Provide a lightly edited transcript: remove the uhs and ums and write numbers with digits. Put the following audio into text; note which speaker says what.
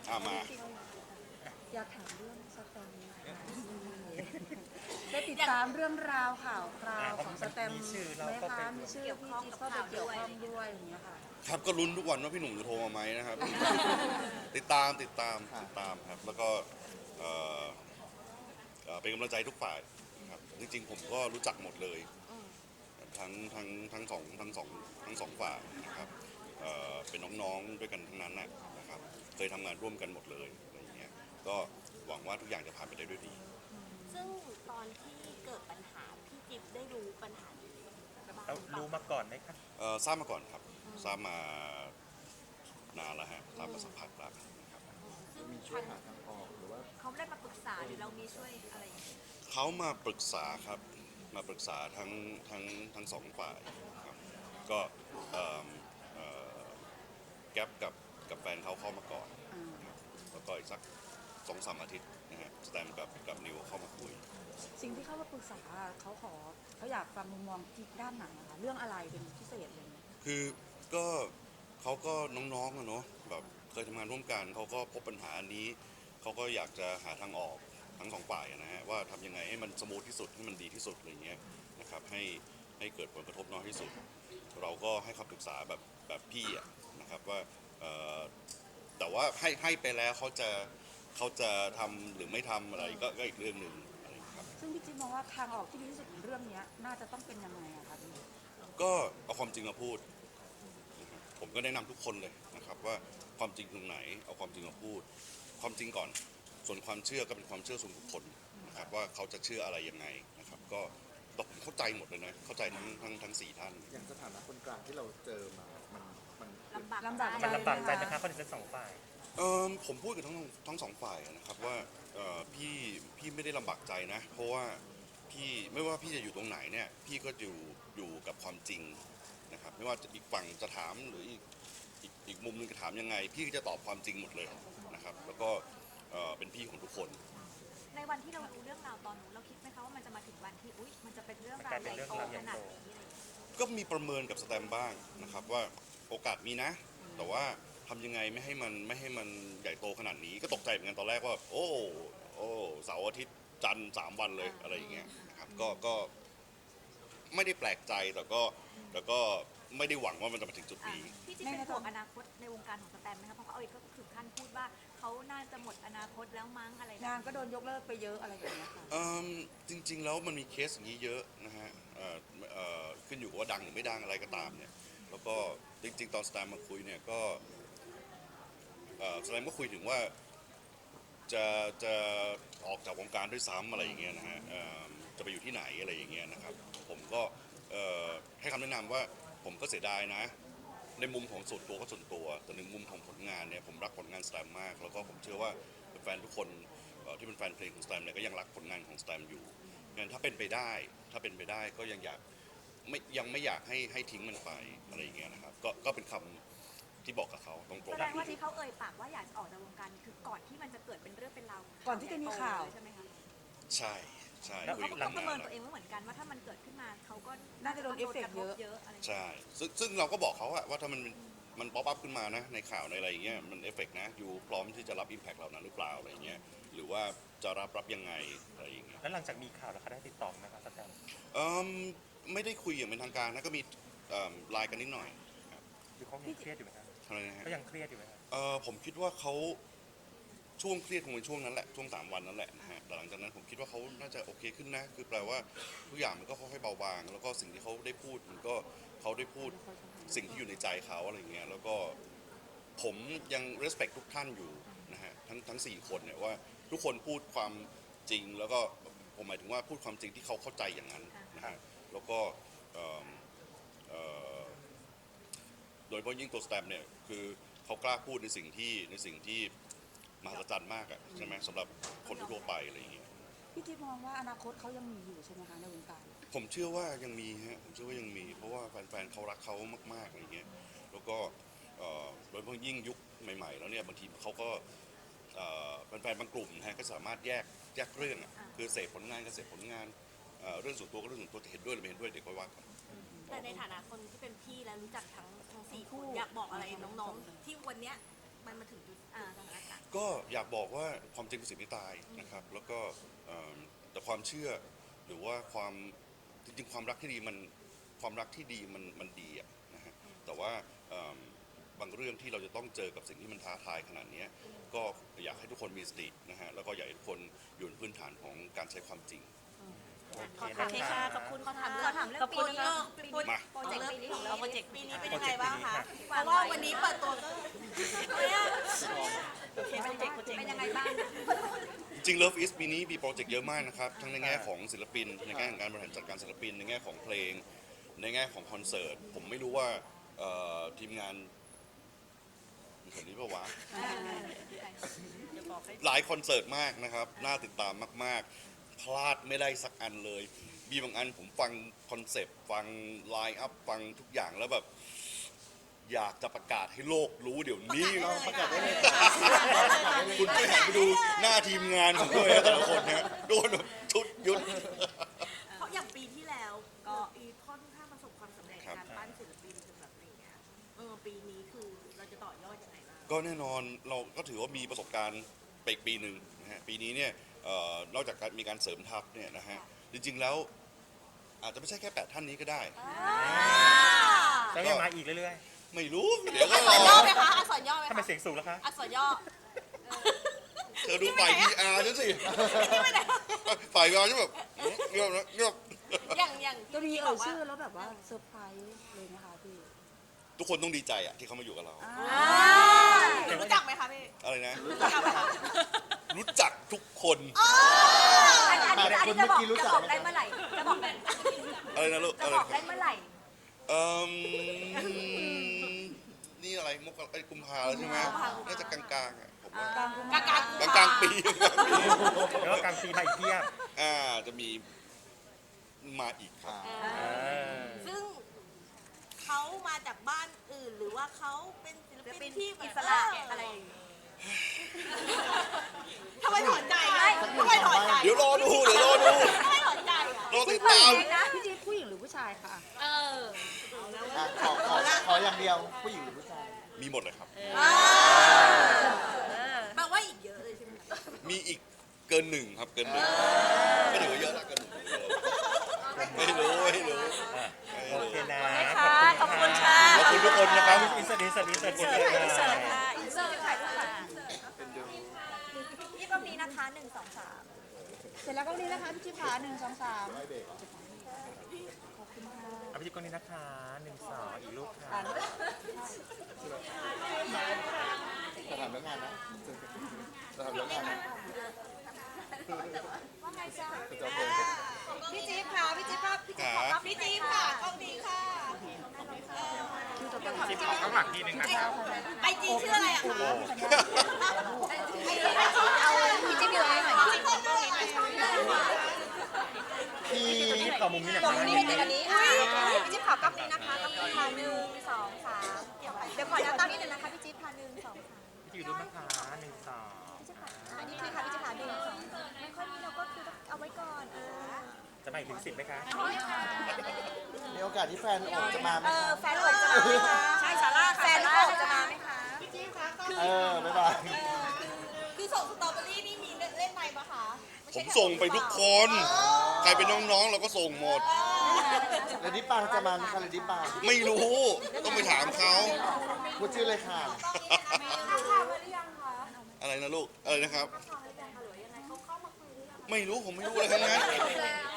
Speaker 1: มา
Speaker 2: จริงๆอยากถามเรื่องสแตมป์นะคะได้ติดตามเรื่องราวข่าวคราวของสแตมป์ไหมคะมีชื่อพี่จิ๊บเข้าไปเกี่ยวข้องด้วยอย่างเงี้ยค่ะ
Speaker 1: ครับก็ลุ้นทุกวันว่าพี่หนุ่มจะโทรมาไหมนะครับ ติดตามครับแล้วก็เอ่อเป็นกำลังใจทุกฝ่ายครับจริงๆผมก็รู้จักหมดเลยทั้งสองฝ่ายนะครับเป็นน้องๆด้วยกันทั้งนั้นนะครับเคยทำงานร่วมกันหมดเลยอะไรอย่างเงี้ยก็หวังว่าทุกอย่างจะผ่านไปได้ด้วยดี
Speaker 3: ซึ่งตอนที่เกิดปัญหาพี่จิ๊บได้รู้ปัญหานี้บ้างห
Speaker 4: แล้ว
Speaker 3: รือเปล่า
Speaker 4: รู้มาก่อนไหมคะ
Speaker 1: ทราบมาก่อนครับทราบมานานแล้วฮะทราบมาสักพักแล้วนะครับ
Speaker 3: ซึ่ง
Speaker 5: มีช่วยหาทางออกหรือว่า
Speaker 3: เขาได้มาปรึกษาหรือเรามีช่วยอะไรอย่างเงี้ย
Speaker 1: เขามาปรึกษาครับมาปรึกษาทั้งสองฝ่ายครับก็เอ่อเอ่อแก๊ปกับแฟนเขาเข้ามาก่อนครับแล้วก็อีกสัก2-3 อาทิตย์นะฮะสแตมกับนิวเข้ามาคุย
Speaker 2: สิ่งที่เขามาปรึกษาเขาอยากฟังมุมมองจิ๊บด้านไหนนะคะเรื่องอะไรเป็นพิเศษเลย
Speaker 1: คือก็เขาก็น้องๆอะเนาะแบบเคยทำงานร่วมกันเขาก็พบปัญหาอันนี้เขาก็อยากจะหาทางออกทั้งสองฝ่ายนะฮะว่าทำยังไงให้มันสมูทที่สุดให้มันดีที่สุดอะไรเงี้ยนะครับให้เกิดผลกระทบน้อยที่สุดเราก็ให้คำปรึกษาแบบพี่อะนะครับว่าแต่ว่าให้ไปแล้วเขาจะทำหรือไม่ทำอะไรก็อีกเรื่องหนึ่งอะไรครับ
Speaker 2: ซึ่งพี่จิ๊บมองว่าทางออกที่ดีที่สุดของเรื่องนี้น่าจะต้องเป็นยังไงอะคะพี่
Speaker 1: ก็เอาความจริงมาพูดนะครับผมก็แนะนำทุกคนเลยนะครับว่าความจริงตรงไหนเอาความจริงมาพูดความจริงก่อนส่วนความเชื่อก็เป็นความเชื่อส่วนบุคคลนะครับว่าเขาจะเชื่ออะไรยังไงนะครับก็ตผมเข้าใจหมดเลยนะเข้าใจทั้ง4 ท่าน
Speaker 5: อย่างสถานะคนกลางที่เราเจอมา มัน
Speaker 3: ลำบากใจ
Speaker 4: มันลำบากใจไหมคะคนทั้งสองฝ่าย
Speaker 1: ผมพูดกับทั้งสองฝ่ายนะครับว่าพี่ไม่ได้ลำบากใจนะเพราะว่าพี่ไม่ว่าพี่จะอยู่ตรงไหนเนี่ยพี่ก็อยู่กับความจริงนะครับไม่ว่าอีกฝั่งจะถามหรืออีกมุมหนึงจะถามยังไงพี่ก็จะตอบความจริงหมดเลยนะครับแล้วก็เป็นพี่ของทุกคน
Speaker 3: ในวันที่เรารู้เรื่องราวตอนนู้นเราคิดไหมคะว่ามันจะมาถึงวันที่อุ๊ยมันจะเป็นเรื่องราวใหญ่โตขนาดนี้อะไรอย่างเงี้ย
Speaker 1: ก็มีประเมินกับสแตมบ้างนะครับว่าโอกาสมีนะแต่ว่าทำยังไงไม่ให้มันใหญ่โตขนาดนี้ก็ตกใจเหมือนกันตอนแรกว่าโอ้เสาร์อาทิตย์จันทร์3 วันเลยอะไรอย่างเงี้ยนะครับก็ไม่ได้แปลกใจแต่ก็ไม่ได้หวังว่ามันจะมาถึงจุดนี้
Speaker 3: พี่จิ๊บเป็นห่วงอนาคตในวงการของสแตมไหมคะเพราะเขาเอาอีกก็ถึงขั้นพูดว่าเขาน่าจะหมดอนาคตแล้วมั้งอะไร
Speaker 2: งานก็โดนยกเลิกไปเยอะอะไรอย่างเงี้ยค่ะ
Speaker 1: จริงๆแล้วมันมีเคสอย่างนี้เยอะนะฮะขึ้นอยู่กับว่าดังหรือไม่ดังอะไรก็ตามเนี่ยแล้วก็จริงๆตอนสแตมมาคุยเนี่ยก็สแตมก็คุยถึงว่าจะออกจากวงการด้วยซ้ำอะไรอย่างเงี้ยนะฮะจะไปอยู่ที่ไหนอะไรอย่างเงี้ยนะครับผมก็ให้คำแนะนำว่าผมก็เสียดายนะในมุมของส่วนตัวก็ส่วนตัวแต่ในมุมของผลงานเนี่ยผมรักผลงานสแตมมากแล้วก็ผมเชื่อว่าแฟนทุกคนที่เป็นแฟนเพลงของสแตมเนี่ยก็ยังรักผลงานของสแตมอยู่งั้นถ้าเป็นไปได้ก็ยังไม่อยากให้ทิ้งมันไปอะไรอย่างเงี้ยนะครับก็เป็นคำที่บอกกับเขาตรง
Speaker 3: แสดงว่าที่เขาเอ่ยปากว่าอยากจะออกจากวงการคือก่อนที่มันจะเกิดเป็นเรื่องเป็นราว
Speaker 2: ก่อนที่จะมีข่าว
Speaker 3: ใช่ไหมคะ
Speaker 1: ใช่
Speaker 3: คุยกันประเมินตัวเองว่าเหมือนกันว่าถ้ามันเกิดขึ้นมาเขาก็
Speaker 2: น่าจะโดนเอฟเฟกต์เยอะ
Speaker 1: ใช่ซึ่งเราก็บอกเขาว่าถ้ามันป๊อปอัพขึ้นมานะในข่าวในอะไรอย่างเงี้ยมันเอฟเฟกต์นะอยู่พร้อมที่จะรับอิมแพคเหล่านั้นหรือเปล่าอะไรอย่างเงี้ยหรือว่าจะรับยังไงอะไรอย่างเงี้ย
Speaker 4: แล้วหลังจากมีข่าวแล้วเขาได้ติดต่อไหมครับสแตม
Speaker 1: ไม่ได้คุยอย่างเป็นทางการนะก็มีไลน์กันนิดหน่อย
Speaker 4: หรือเขายังเครียดอยู่ไหมครับ
Speaker 1: อะไรนะฮะ
Speaker 4: เขายังเครียดอยู่ไหมครับ
Speaker 1: ผมคิดว่าเขาช่วงเครียดคงเป็นช่วงนั้นแหละช่วง3 วันนั้นแหละนะฮะแต่หลังจากนั้นผมคิดว่าเขาน่าจะโอเคขึ้นนะคือแปลว่าทุกอย่างมันก็ค่อยๆเบาบางแล้วก็สิ่งที่เขาได้พูดมันก็เขาได้พูดสิ่งที่อยู่ในใจเขาอะไรเงี้ยแล้วก็ผมยัง respect ทุกท่านอยู่นะฮะทั้ง4 คนเนี่ยว่าทุกคนพูดความจริงแล้วก็ผมหมายถึงว่าพูดความจริงที่เขาเข้าใจอย่างนั้นนะฮะแล้วก็โดยเฉพาะยิ่งตัวสแตมเนี่ยคือเขากล้าพูดในสิ่งที่มหัศจรรย์มากอะใช่ไหมสำหรับคนทั่วไปอะไรอย่างเงี้ย
Speaker 2: พี่จิ๊บมองว่าอนาคตเขายังมีอยู่ใช่ไหมคะในวงการ
Speaker 1: ผมเชื่อว่ายังมีฮะผมเชื่อว่ายังมีเพราะว่าแฟนๆเขารักเขามากๆอะไรเงี้ยแล้วก็โดยเฉพาะยิ่งยุคใหม่ๆแล้วเนี่ยบางทีเขาก็แฟนๆบางกลุ่มนะฮะก็สามารถแยกเรื่องอะคือเสพผลงานก็เสพผลงานเรื่องส่วนตัวก็เรื่องส่วนตัวจะเห็นด้วยหรือไม่เห็นด้วยเด็กก็ว่ากัน
Speaker 3: แต่ในฐานะคนที่เป็นพี่และรู้จักทั้ง4 คนอยากบอกอะไรน้องๆที่วันเนี้ยมันมาถึงจุดสถานการณ์
Speaker 1: ก็อยากบอกว่าความจริงเป็นสิ่งที่ตายนะครับ แล้วก็แต่ความเชื่อหรือว่าความจริงๆความรักที่ดีมันดีอะนะฮะแต่ว่าบางเรื่องที่เราจะต้องเจอกับสิ่งที่มันท้าทายขนาดนี้ก็อยากให้ทุกคนมีสตินะฮะแล้วก็อยากให้ทุกคนอยู่ในพื้นฐานของการใช้ความจริง
Speaker 4: โอเคนะคะ
Speaker 3: ขอบคุณขอถามเรื่องปีนี้
Speaker 1: มา
Speaker 3: โปรเจกต์ปีนี้ของเราโปรเจกต์ปีนี้เป็น
Speaker 4: โปร
Speaker 3: ยัง
Speaker 4: เจ
Speaker 3: ไง
Speaker 4: กต์
Speaker 3: บ้าง
Speaker 4: นี้
Speaker 3: คะ
Speaker 4: ค่ะ
Speaker 3: เพราะว่าวันนี้เปิดตัวก็เป็นยังไงบ้าง
Speaker 1: จริง Love is ปีนี้มีโปรเจกต์เยอะมากนะครับ ทั้งในแง่ของศิลปิน ในแง่ของการบริหารจัดการศิลปิน ในแง่ของเพลง ในแง่ของคอนเสิร์ต ผมไม่รู้ว่าทีมงานมีคนนี้ปะวะ หลายคอนเสิร์ตมากนะครับ น่าติดตามมากๆ พลาดไม่ได้สักอันเลย มีบางอันผมฟังคอนเซปต์ ฟังไลน์อัพ ฟังทุกอย่างแล้วแบบ อยากจะประกาศให้โลกรู้เดี๋ยวนี้
Speaker 5: ประกาศได้เลย
Speaker 1: คุณไปหันไปดูหน้าทีมงานผมด้วยนะแต่ละคนเนี่ยโดนแบบชุดยุด
Speaker 3: เพราะอย่างปีที่แล้วก็อีค่อนข้างประสบความสำเร็จ
Speaker 1: ครับ
Speaker 3: การปั้นศิลปินจนแบบอะไรเงี้ยปีนี้คือเราจะต่อยอดยังไงบ้าง
Speaker 1: ก็แน่นอนเราก็ถือว่ามีประสบการณ์ไปอีกปีหนึ่งนะฮะปีนี้เนี่ยนอกจากการมีการเสริมทัพเนี่ยนะฮะจริงๆแล้วอาจจะไม่ใช่แค่8ท่านนี้ก็ได้
Speaker 4: แล้วยังมาอีกเรื่อย
Speaker 1: ไม่รู้เดี๋ยวก็
Speaker 3: อักษ
Speaker 1: ร
Speaker 3: รย่อ
Speaker 1: อ
Speaker 3: ไหมคะอักษรย่อไหม
Speaker 4: ๆทำไม
Speaker 3: คะ
Speaker 4: เสียงสูงแล้วคะ
Speaker 3: อักษรย่อ
Speaker 1: เธอดูฝ่าย PR ฉันสิฝ่าย PR ฉันแบบเงียบนะเงียบ
Speaker 3: อย่าง
Speaker 2: จะมี
Speaker 3: ที่บ
Speaker 2: เอ่
Speaker 3: อย กว่า
Speaker 2: ชื่อแล้วแบบว่าเซอร์ไพรส์เลยนะคะพี่
Speaker 1: ทุกคนต้องดีใจอ่ะที่เขามาอยู่กับเรา
Speaker 3: รู้จักไหมคะพี่
Speaker 1: อะไรนะ
Speaker 3: รู้จักไหมคะ
Speaker 1: รู้จักทุกคน
Speaker 3: อันนี้จะบอกได้เมื่อไหร่จะบอกได้
Speaker 1: อะไรนะลูก
Speaker 3: จะ
Speaker 1: อะไร
Speaker 3: บอกได้เมื่อไหร่
Speaker 1: เอ่มนี่อะไรมกรากุมภาแล้วใช่ไหมน่าจะกลางๆอ่ะผมว่าก
Speaker 3: ลาง
Speaker 1: กลางๆปี
Speaker 4: แล้วก็กลางปีมาอีกเทียบ
Speaker 1: จะมีมาอีกครับ
Speaker 3: ซึ่งเขามาจากบ้านอื่นหรือว่าเขาเป็นศิลปินที่
Speaker 6: อิสระอะไรอย่างเงี้ย
Speaker 3: ทำไมถอนใจทำไมถอนใจ
Speaker 1: เดี๋ยวรอดูเดี๋ยวรอดู
Speaker 3: ทำไมถอนใจอ่ะ
Speaker 1: รอติด
Speaker 2: ผู้ห
Speaker 1: ตาม
Speaker 2: ญิงนะพี่จี๊ดผู้หญิงหรือผู้ชายคะ
Speaker 5: ขออย่างเดียวผู้หญิงหรือผู้ชาย
Speaker 1: มีหมดเลยครับ
Speaker 3: แปลว่าอีกเยอะเลยใช่ไหม
Speaker 1: มีอีกเกินหนึ่งครับเกินหนึ่งก็ถือว่าเยอะแล้วเกินหนึ่งไม่รู้
Speaker 4: โอเคนะ
Speaker 6: ขอบคุณค่ะ
Speaker 1: ขอบคุณทุกคนนะครับ
Speaker 4: อินเสิร์ตอินเสิร์ตอินเสิร์ต
Speaker 6: อินเสิร์ตค่ะอินเสิร์ตถ่ายรูปค่ะ
Speaker 3: นี่ก็มีนะคะ1 2
Speaker 2: เสร็จแล้วก็นี้นะคะพี่จี๊ดขา1 2 3
Speaker 4: เอาไปที่กล้องนี้นะคะ1 2อีกรูปค่ะ
Speaker 5: จะถามเรื่องงานนะจะถามเรื่องงานนะ
Speaker 3: พี่จี๊บค่ะพี่จี๊บค่ะพี่จี๊บค่ะพี่จี๊บค่ะกล้องนี้ค่ะ
Speaker 4: ข้างหลังทีนึงนะครับ
Speaker 3: ไอจีชื่ออะไรอะคะ
Speaker 2: พี่จี๊ดอยู่อะไรหน่อย
Speaker 3: พี่จี๊บกล้องนี้หน่อย
Speaker 5: พี่
Speaker 4: ที่ขอมุมนี้หน่อย
Speaker 3: ตรง
Speaker 4: นะ
Speaker 3: นี้เป็นอันนี้พี่จี๊บขากล้องนี้นะคะกล้องนี้ค่ะ1 2 3เดี๋ยวขอย้ำตั้งนิดนึงนะคะพี่จี๊บค่ะ1 2 3
Speaker 4: ที่อยู่รูปนะคะ1 2
Speaker 3: อันนี้คือค่ะพี่จี๊บค่ะ1 2ไม่ค่อยนี้เราก็คือต้องเอาไว้ก่อน
Speaker 4: จะมาอีกถึง10ไหมคะ
Speaker 5: มีโอกาสที่แฟนโอบจะมาไหม
Speaker 3: แฟนโอบจะมาไหมคะ
Speaker 6: ใช่ซาร่า
Speaker 3: แฟนโอบจะมาไหมคะ
Speaker 5: บ๊ายบาย
Speaker 3: คือส่งสตรอเบอรี่นี่มีเล่นในปะคะ
Speaker 1: ผมส่งไปทุกคน ใครเป็นน้องๆเราก็ส่งหมด
Speaker 5: เลดี้ปังจะมาไหมคะเลดี้ปัง
Speaker 1: ไม่รู้ ต้องไปถามเขา
Speaker 5: พูดชื่อเลยค่ะ
Speaker 1: อะไรนะลูก อะไรนะครับ ไม่รู้ผมไม่รู้อะไรทั้งนั้น